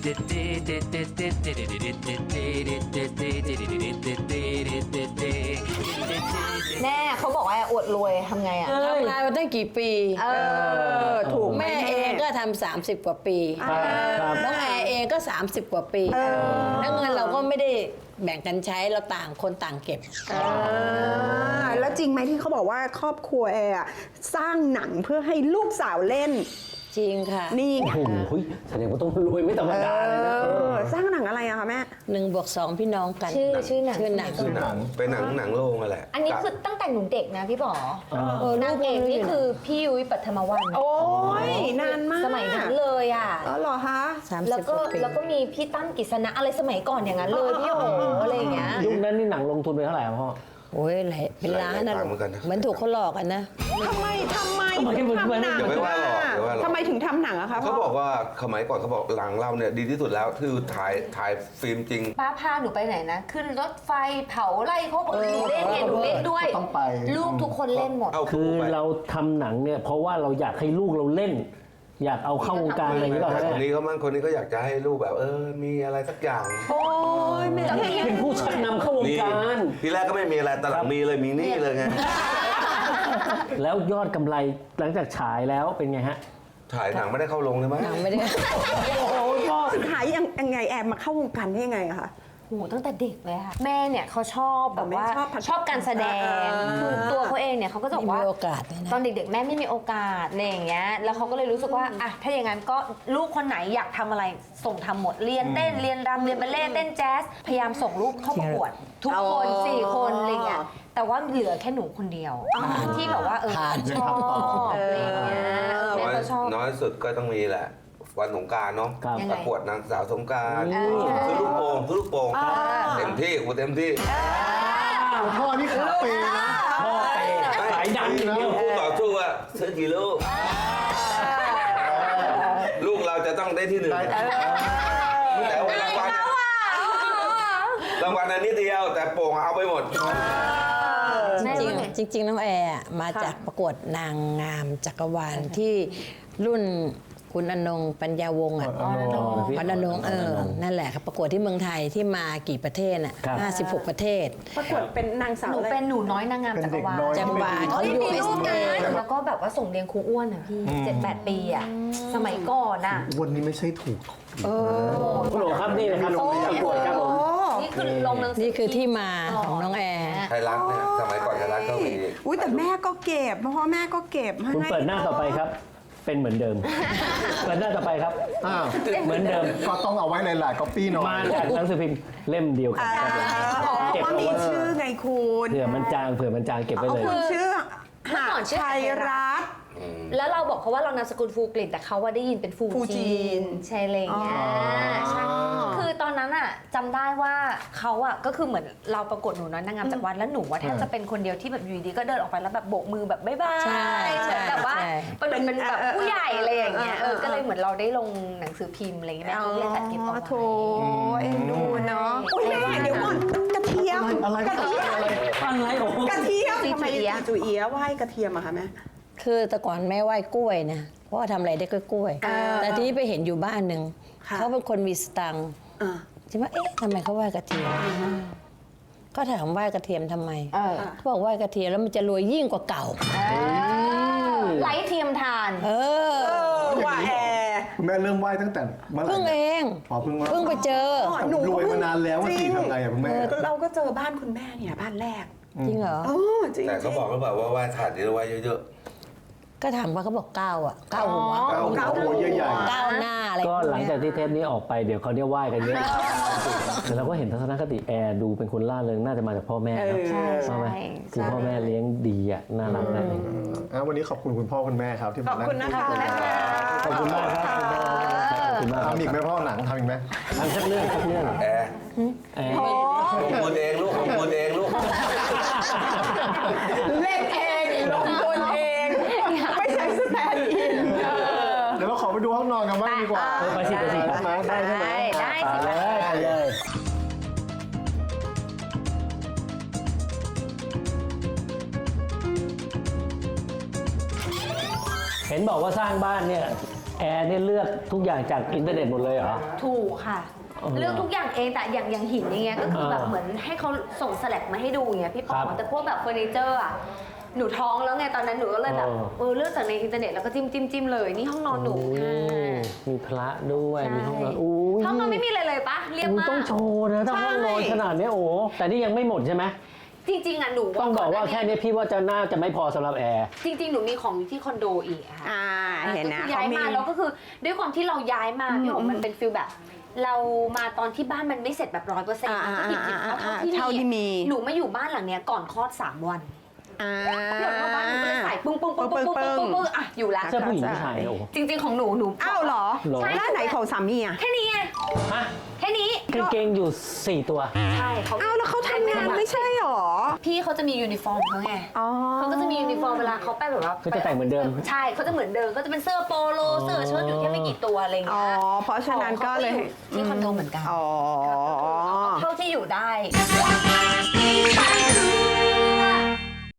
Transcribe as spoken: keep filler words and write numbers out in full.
แน่เขาบอกว่าอวดรวยทำไงอ่ะทำงานมาตั้งกี่ปีเออถูกแม่เองก็ทำสามสิบกว่าปีน้องแอร์เองก็สามสิบกว่าปีแล้วเงินเราก็ไม่ได้แบ่งกันใช้เราต่างคนต่างเก็บแล้วจริงไหมที่เขาบอกว่าครอบครัวแอร์สร้างหนังเพื่อให้ลูกสาวเล่นจริงค่ะนี่ไงโอ้โหแสดงว่าต้องรวยไม่ธรรมดาเลยนะสร้างหนังอะไรอะคะแม่หนึ่งบวกสองพี่น้องกันชื่อชื่อหนังชื่อหนังคือหนังเป็นหนังหนังโรงอะแหละอันนี้คือตั้งแต่หนูเด็กนะพี่ป๋อนางเอกนี่คือพี่ยุ้ยปัทมวรรณโอ้ยนานมากสมัยนั้นเลยอ่ะอ๋อเหรอคะแล้วก็แล้วก็มีพี่ตั้มกฤษณะอะไรสมัยก่อนอย่างนั้นเลยพี่โอ๋อะไรอย่างเงี้ยยุคนั้นนี่หนังลงทุนไปเท่าไหร่พ่อโอ้ยหลายเป็นล้านนะเหมือนถูกเขาหลอกกันนะทำไมทำไมถึงทำหนังทำไมถึงทำหนังอะคะเขาบอกว่าสมัยก่อนเขาบอกหลังเราเนี่ยดีที่สุดแล้วคือถ่ายถ่ายฟิล์มจริงป้าพาหนูไปไหนนะขึ้นรถไฟเผาไล่เขาบอกหนูเล่นเนี่ยหนูเล่นด้วยต้องไปลูกทุกคนเล่นหมดคือเราทำหนังเนี่ยเพราะว่าเราอยากให้ลูกเราเล่นอยากเอาเข้าวงการอะไรอย่างเงี้ยคนนี้เขามั่งคนนี้ก็อยากจะให้ลูกแบบเออมีอะไรสักอย่างโอ้ยแม่เป็นผู้ชักนำเข้าวงการทีแรกก็ไม่มีอะไรแต่หลังมีเลยมีนี่เลยไงแล้วยอดกำไรหลังจากฉายแล้วเป็นไงฮะถ่ายหนังไม่ได้เข้าลงเลยมั้ยหนังไม่ได้โอ้โหพ่อสุดท้ายยังยังไงแอบมาเข้าวงการได้ยังไงอะคะโหตั้งแต่เด็กเลยค่ะแม่เนี่ยเขาชอบแบบว่าชอบการแสดงคือตัวเขาเองเนี่ยเขาก็จะบอกว่าตอนเด็กๆแม่ไม่มีโอกาสอะไรอย่างเงี้ยแล้วเขาก็เลยรู้สึกว่าอ่ะถ้าอย่างนั้นก็ลูกคนไหนอยากทำอะไรส่งทำหมดเรียนเต้นเรียนรำเรียนบัลเล่ต์เต้นแจ๊สพยายามส่งลูกเข้าประกวดทุกคนสี่คนอะไรเงี้ยแต่ว่าเหลือแค่หนูคนเดียวที่แบบว่าเออชอบอะไรอย่างเงี้ยแม่ก็ชอบน้อยสุดก็ต้องมีแหละวันสงกรานต์เนาะประกวดนางสาวสงกรานต์ซื้อลูกโป่งซื้อลูกโป่งเต็มที่กูเต็มที่พ่อนี่ขาเปย์นะพ่อเปย์สายดังนะคู่ต่อสู้อะซื้อกี่ลูกลูกเราจะต้องได้ที่หนึ่งแต่ว่ารางวัลรางวัลอันนี้เดียวแต่โป่งเอาไปหมดจริงจริงน้องแอร์มาจากประกวดนางงามจักรวาลที่รุ่นคุณอนงปัญญาวงศ์อ่ะอนอนงเออนั่นแหละครับประกวดที่เมืองไทยที่มากี่ประเทศน่ะห้าสิบหกประเทศประกวดเป็นนางสาวหนูเป็นหนูน้อยนางงามจักรวาลจักรวาลเขาอยู่เอส เอ แล้วก็แบบว่าส่งเรียนครูอ้วนอ่ะพี่เจ็ดแปดปีอ่ะสมัยก่อนอ่ะวันนี้ไม่ใช่ถูกเออคุณหลวงครับนี่นะครับประกวดครับผมนี่คือลงหนังสือนี่คือที่มาของน้องแอร์ไทยรัฐเนี่ยสมัยก่อนไทยรัฐก็มีอุ้ยแต่แม่ก็เก็บเพราะว่าแม่ก็เก็บคุณเปิดหน้าต่อไปครับเป็นเหมือนเดิมเปิดหน้าต่อไปครับอ้าวเหมือนเดิมก็ต้องเอาไว้ในหลายก๊อปปี้หน่อยมาจากหนังสือพิมพ์เล่มเดียวกันครับเก็บว่ามีชื่อไงคุณเผื่อมันจางเผื่อมันจางเก็บไว้เลยคุณชื่อหาไทยรัฐแล้วเราบอกเขาว่าเรานามสกุลฟูกลิ่นแต่เขาว่าได้ยินเป็นฟูจีนใช่เลยเนี่ยใช่คือตอนนั้นอ่ะจำได้ว่าเขาอ่ะก็คือเหมือนเราประกวดหนูน้อยนางงามจักรวาลแล้วหนูว่าแทบจะเป็นคนเดียวที่แบบอยู่ดีก็เดินออกไปแล้วแบบโบกมือแบบบ๊ายบายใช่แต่ว่าเป็นเป็นแบบผู้ใหญ่อะไรอย่างเงี้ยเออก็เลยเหมือนเราได้ลงหนังสือพิมพ์อะไรเงี้ยเล่นจัดเก็บเอาไว้โถเอ็นดูเนาะอุ้ยแม่เดี๋ยวก่อนกระเทียมกระเทียมอะไรกระเทียมทำไมจุ๋ยเอี้ยไหว้กระเทียมอะคะแม่คือแต่ก่อนแม่ไหว้กล้วยนะเพราะว่าทำอะไรได้ก็กล้วยแต่ทีนี้ไปเห็นอยู่บ้านหนึ่งเขาเป็นคนมีสตังค์ใช่ไหมเอ๊ะทำไมเขาไหว้กระเทียมก็ถามไหว้กระเทียมทำไมเขาบอกไหว้กระเทียมแล้วมันจะรวยยิ่งกว่าเก่าไร้เทียมทานเออว่าแอร์แม่เริ่มไหว้ตั้งแต่เมื่อไหร่เพิ่งเองอ๋อเพิ่งเพิ่งไปเจอหนูรวยมานานแล้วว่าสิทำไงอะคุณแม่เราก็เจอบ้านคุณแม่เนี่ยบ้านแรกจริงเหรอแต่เขาบอกหรือเปล่าว่าไหว้ถาดนี้ไหว้เยอะก็ถามว่าเขาบอกเก้าอ่ะเก้าหัวเก้าหัวใหญ่ๆเก้าหน้าอะไรก็หลังจากที่เทปนี้ออกไปเดี๋ยวเขาเนี่ยไหว้กันเยอะแต่เราก็เห็นทัศนคติแอร์ดูเป็นคนล่าเริงน่าจะมาจากพ่อแม่นะใช่ไหมคือพ่อแม่เลี้ยงดีอ่ะน่ารักมากเลยวันนี้ขอบคุณคุณพ่อคุณแม่ครับที่มาขอบคุณนะคะขอบคุณมากครับขอบคุณมากทำอีกไหมพ่อหนังทำอีกไหมทำสักเรื่องสักเรื่องแอร์แอร์ของคุณเองลูกของคุณเองลูกเล่นเองลงทุนเองไม่ใช่สแตนด์อินเดี๋ยวเราขอไปดูห้องนอนกันบ้างดีกว่าไปสิไปสิได้ไหมได้ใช่ไหมได้สิไปเลยเห็นบอกว่าสร้างบ้านเนี่ยแอร์เนี่ยเลือกทุกอย่างจากอินเทอร์เน็ตหมดเลยเหรอถูกค่ะอ๋อเลือกทุกอย่างเองแต่อย่างอย่างหินอย่างเงี้ยก็คือแบบอ่าเหมือนให้เขาส่งสแลักมาให้ดูอย่างเงี้ยพี่ปอครับแต่พวกแบบเฟอร์นิเจอร์อ่ะหนูท้องแล้วไงตอนนั้นหนูก็เลยแบบอ๋อเออเลือกจากในอินเทอร์เน็ตแล้วก็จิ้มจิ้มจิ้มเลยนี่ห้องนอนหนูโอ้ค่ะมีพระด้วยใช่มีห้องนอนอู้ยห้องนอนไม่มีอะไรเลยปะเรียบอุ๊ยมากต้องโชว์นะถ้าห้องนอนใช่ขนาดเนี้ยโอ้แต่นี่ยังไม่หมดใช่ไหมจริงๆอ่ะหนูต้องบอกว่าหแค่นี้พี่ว่าจะน่าจะไม่พอสำหรับแอร์จริงๆ หนูมีของอยู่ที่คอนโดอีกอะค่ะอ่าเห็นนะก็คือย้ายมาเขามีแล้วก็คือด้วยความที่เราย้ายมาอืมพี่หอมมันเป็นฟิลแบบ เรามาตอนที่บ้านมันไม่เสร็จแบบร้อยเปอร์เซ็นต์อ่าก็หยิบหยิบเอาอ่าเท่าที่เท่าที่มีหนูมาอยู่บ้านหลังเนี้ยก่อนคลอดสามวันอ่าพี่หอมมาบ้านหนูก็เลยใส่ปึ้งปึ้งปึ้งปึ้งปึ้งปึ้งปึ้งปึ้งอ่ะอยู่ละเสื้อผู้หญิงผู้ชายนะโอ้จริง ๆ ของหนูหนูอ้าวเหรอเหรอแล้วไหนของสามีอ่ะแค่นี้ไงฮะแค่นี้กางเกงอยู่สี่ตัวใช่เขาอ้าวแล้วเขาทำงานไม่ใช่หรอพี่เขาจะมียูนิฟอร์มเขาไงอ๋อเขาก็จะมียูนิฟอร์มเวลาเขาไปแบบว่าก็จะแต่งเหมือนเดิมใช่เขาจะเหมือนเดิมก็จะเป็นเสื้อโปโลเสื้อเชิ้ตอยู่แค่ไม่กี่ตัวอะไรอย่างอ๋อเงี้ยเพราะฉะนั้นก็เลยที่คอนโดเหมือนกันอ๋อเท่าที่อยู่ได้